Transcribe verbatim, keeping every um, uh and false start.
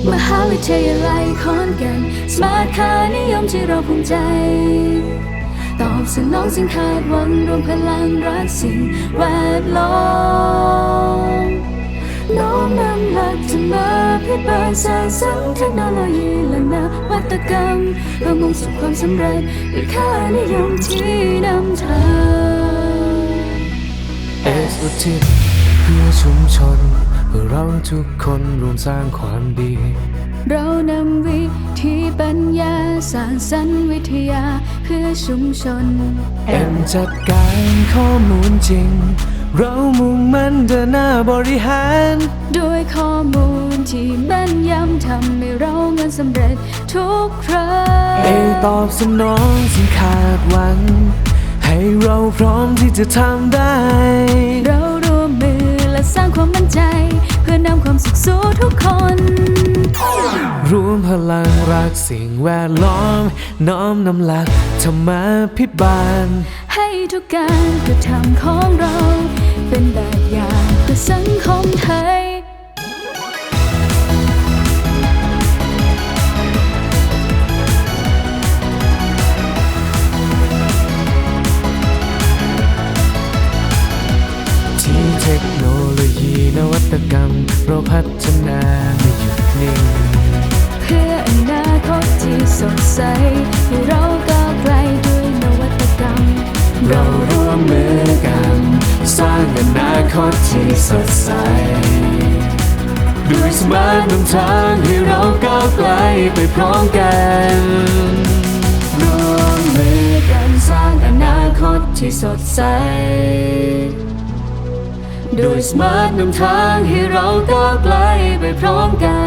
มหาวิทยาลัยขอนแก่นสมาร์ทค่านิยมที่เราภูมิใจตอบสนองสิ่งคาดหวังรวมพลังรักสิ่งแวดล้อมน้อมนำหลักธรรมะพิบาลสร้างสรรค์เทคโนโลยีและนวัตกรรมเพื่อมุ่งสู่ความสำเร็จด้วยค่านิยมที่นำทางเอสอุทิศเพื่อชุมชนเพื่อเราทุกคนรวมสร้างความดีเรานำวิธีปัญญาสร้างสรรค์วิทยาเพื่อชุมชนเอ็มจัดการข้อมูลจริงเรามุ่งมั่นเดินหน้าบริหารด้วยข้อมูลที่แม่นยำทำให้เราเงินสำเร็จทุกครั้งเอตอบสนองสิ่งคาดหวังให้เราพร้อมที่จะทำได้เราร่วมมือและสร้างความมั่นใจเพื่อนำความสุขสู่ทุกคนรวมพลังรักสิ่งแวดล้อมน้อมนำหลักธรรมาภิบาลให้ทุกการกระทำของเราเป็นแบบอย่างเพื่อสังคมไทยที่เทคโนโลยีนวัตกรรมเราพัฒนาไม่หยุดนิ่งเพื่ออนาคตที่สดใสให้เราก้าวไกลด้วยนวัตกรรมเราร่วมมือกันสร้างอนาคตที่สดใสด้วยสมาร์ทนำทางให้เราก้าวไกลไปพร้อมกันร่วมมือกันสร้างอนาคตที่สดใสด้วยสมาร์ทนำทางให้เราก้าวไกลไปพร้อมกัน